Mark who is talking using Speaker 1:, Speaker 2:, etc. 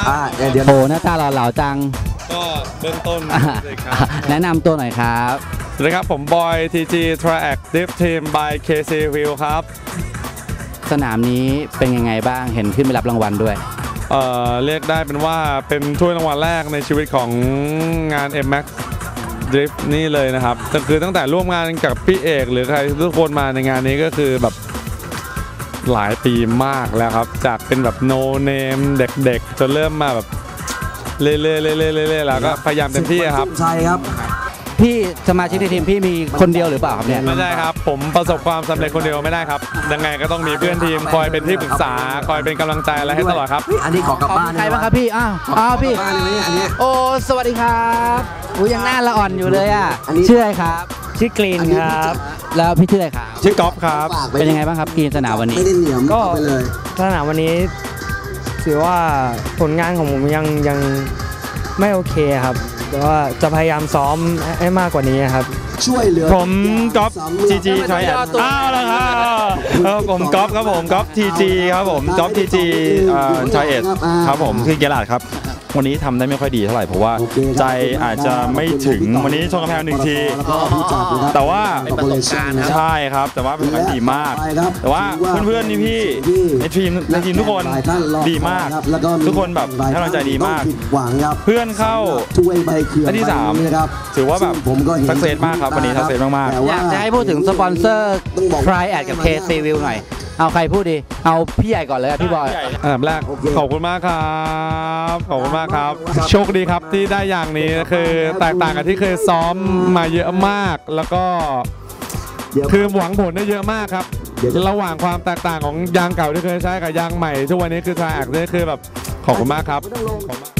Speaker 1: เดี๋ยวโอ้หน้าตาหล่อๆจัง
Speaker 2: ก็เบื้องต้น
Speaker 1: แนะนำตัวหน่อยครับ
Speaker 2: สวัสดีครับผมบอย TG Triactive Team by KC Wheel ครับ
Speaker 1: สนามนี้เป็นยังไงบ้างเห็นขึ้นไปรับรางวัลด้วย
Speaker 2: เรียกได้เป็นว่าเป็นถ้วยรางวัลแรกในชีวิตของงาน MX Drift นี่เลยนะครับก็คือตั้งแต่ร่วมงานกับพี่เอกหรือใครทุกคนมาในงานนี้ก็คือแบบหลายปีมากแล้วครับจากเป็นแบบ no name เด็กๆจนเริ่มมาแบบเรื่อยๆแล้วก็พยายามเต็มที่ครับ
Speaker 1: ใช่ครับพี่สมาชิกในทีมพี่มีคนเดียวหรือเปล่าครับเนี่ย
Speaker 2: ไม่ใช่ครับผมประสบความสำเร็จคนเดียวไม่ได้ครับยังไงก็ต้องมีเพื่อนทีมคอยเป็นที่ปรึกษาคอยเป็นกำลังใจอะไรให้ตลอดครับ
Speaker 1: อันนี้ขอกลับบ้านใครบ้างครับพี่อ้าวพี่โอ้สวัสดีครับยังหน้าละอ่อนอยู่เลยอ่ะชื่ออะไรครับ
Speaker 3: ชื่อกรีนครับ
Speaker 1: แล้วพี่ชื่ออะไรครับ
Speaker 2: ชื่อกอล์ฟครับ
Speaker 1: เป็นยังไงบ้างครับกรีนสนามวันนี้
Speaker 3: ก็สนามวันนี้ถือว่าผลงานของผมยังไม่โอเคครับแต่ว่าจะพยายามซ้อมให้มากกว่านี้ครับ
Speaker 2: ช่วยเหลือผมก๊อฟ TG ใช่อ้าวแล้วครับผมก๊อฟครับผมก๊อฟ TG ครับผมก๊อฟ TG ชายเอ็ดครับผมคือเกลาดครับวันนี้ทำได้ไม่ค่อยดีเท่าไหร่เพราะว่าใจอาจจะไม่ถึงวันนี้ชนกำแพง1 ทีแต่ว่าใช่ครับแต่ว่าเป็นผลดีมากแต่ว่าเพื่อนๆพี่ในทีมทุกคนดีมากทุกคนแบบให้กำลังใจดีมากเพื่อนเข้าและที่3ถือว่าแบบสักเซสมากครับวันนี้สักเซสมาก
Speaker 1: ๆอยากจะให้พูดถึงสปอนเซอร์ Triad กับ KC Wheel หน่อยเอาใครพูดดีเอาพี่ใหญ่ก่อนเลยพี่บอย
Speaker 2: อันดับแรกขอบคุณมากครับขอบคุณมากครับโชคดีครับที่ได้อย่างนี้คือแตกต่างกับที่เคยซ้อมมาเยอะมากแล้วก็คือหวังผลได้เยอะมากครับระหว่างความแตกต่างของยางเก่าที่เคยใช้กับยางใหม่ทุกวันนี้คือTriadนี่คือแบบขอบคุณมากครับ